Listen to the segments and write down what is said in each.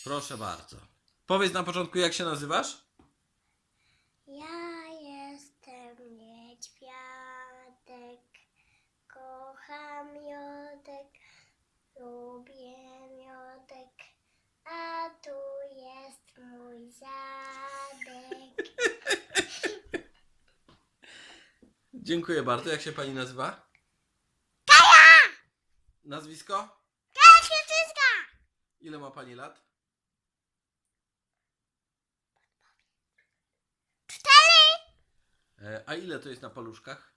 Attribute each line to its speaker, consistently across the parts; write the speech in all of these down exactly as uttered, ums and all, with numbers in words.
Speaker 1: Proszę bardzo. Powiedz na początku, jak się nazywasz?
Speaker 2: Ja jestem niedźwiadek, kocham miodek, lubię miodek, a tu jest mój zadek.
Speaker 1: Dziękuję bardzo. Jak się pani nazywa?
Speaker 2: Kaja!
Speaker 1: Nazwisko?
Speaker 2: Kaja Świeczyska!
Speaker 1: Ile ma pani lat?
Speaker 2: Cztery!
Speaker 1: E, a ile to jest na paluszkach?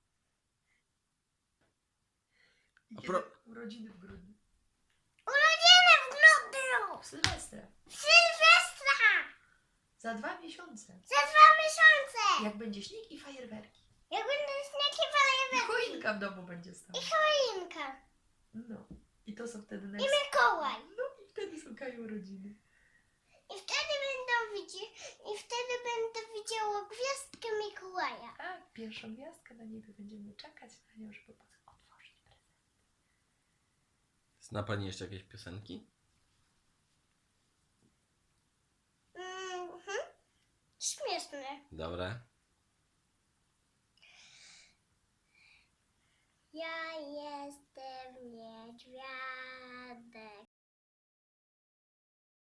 Speaker 1: A
Speaker 3: Kiedy
Speaker 1: pro...
Speaker 3: urodziny w grudniu.
Speaker 2: Urodziny w grudniu!
Speaker 3: W Sylwestra.
Speaker 2: Sylwestra!
Speaker 3: Za dwa miesiące.
Speaker 2: Za dwa miesiące!
Speaker 3: Jak będzie śnieg i fajerwerki.
Speaker 2: Jak będą śniegi
Speaker 3: I
Speaker 2: fajerwerki
Speaker 3: choinka w domu będzie stała.
Speaker 2: i choinka
Speaker 3: No. I to są wtedy
Speaker 2: i
Speaker 3: naj...
Speaker 2: Mikołaj.
Speaker 3: No i wtedy są Kaju urodziny.
Speaker 2: I wtedy będą widzi, i wtedy będę widziała gwiazdkę Mikołaja.
Speaker 3: Tak, pierwszą gwiazdkę na niebie będziemy czekać na nią, żeby potem otworzyć prezent.
Speaker 1: Zna pani jeszcze jakieś piosenki?
Speaker 2: Mhm. Śmieszne.
Speaker 1: Dobre.